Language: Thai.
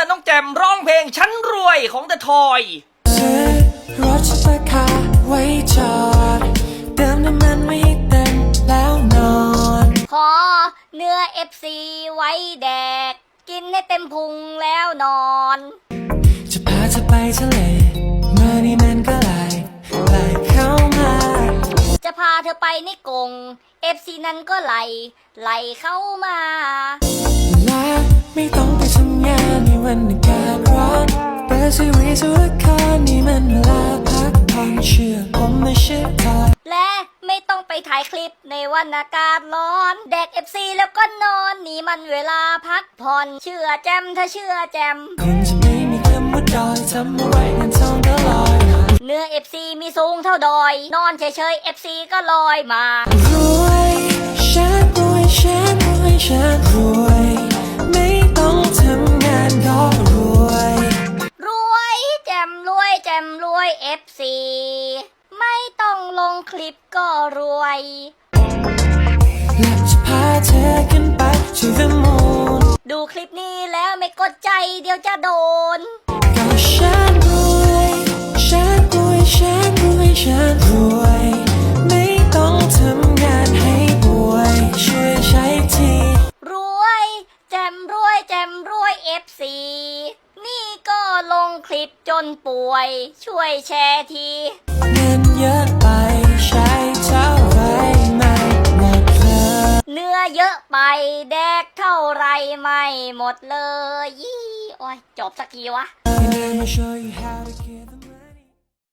น้องแจมร้องเพลงฉันรวยของThe Toy ซื้อรถซุปเปอร์คาร์ไว้จอดเติมน้ำมันไม่ให้เต็มแล้วนอนขอเนื้อ FC ไว้แดก กินให้เต็มพุงแล้วนอนจะพาเธอไปทะเลเมื่อนี้มันก็ไหลเข้ามาจะพาเธอไปในกรง FC นั้นก็ไหลเข้ามาเวลาไม่ต้องไปทำงานในวันอากาศร้อนเปิดทีวีดูละครนี่มันเวลาพักผ่อนเชื่อผมไม่เชื่อใครและไม่ต้องไปถ่ายคลิปในวันอากาศร้อน แดก FC แล้วก็นอนนี่มันเวลาพักผ่อนเชื่อแจมถ้าเชื่อแจมคนจะไม่มีคำว่าดอยทำอะไรเงินทองก็ลอยมาเนื้อ FC มีสูงเท่าดอย นอนเฉยๆ FC ก็ลอยมารวยฉันรวยฉันรวยฉันรวยไม่ต้องทำงานก็รวยรวยแจมรวยแจมรวย FC ไม่ต้องลงคลิปก็รวยและจะพาเธอขึ้นไป to the moon ดูคลิปนี้แล้วไม่กดใจเดี๋ยวจะโดนก็ฉันรวยฉันรวยฉันรวยฉันรวยไม่ต้องทำงานให้ป่วยช่วยใช้ทีรวยแจมรวยแจมรวย FC นี่ก็ลงคลิปจนป่วย ช่วยแชร์ทีเงินเยอะไปใช้เท่าไรไม่หมดเลยเนื้อเยอะไปแดกเท่าไรไม่หมดเลยยี่โอ้ยจบสักทีวะ And I'ma show you how to get them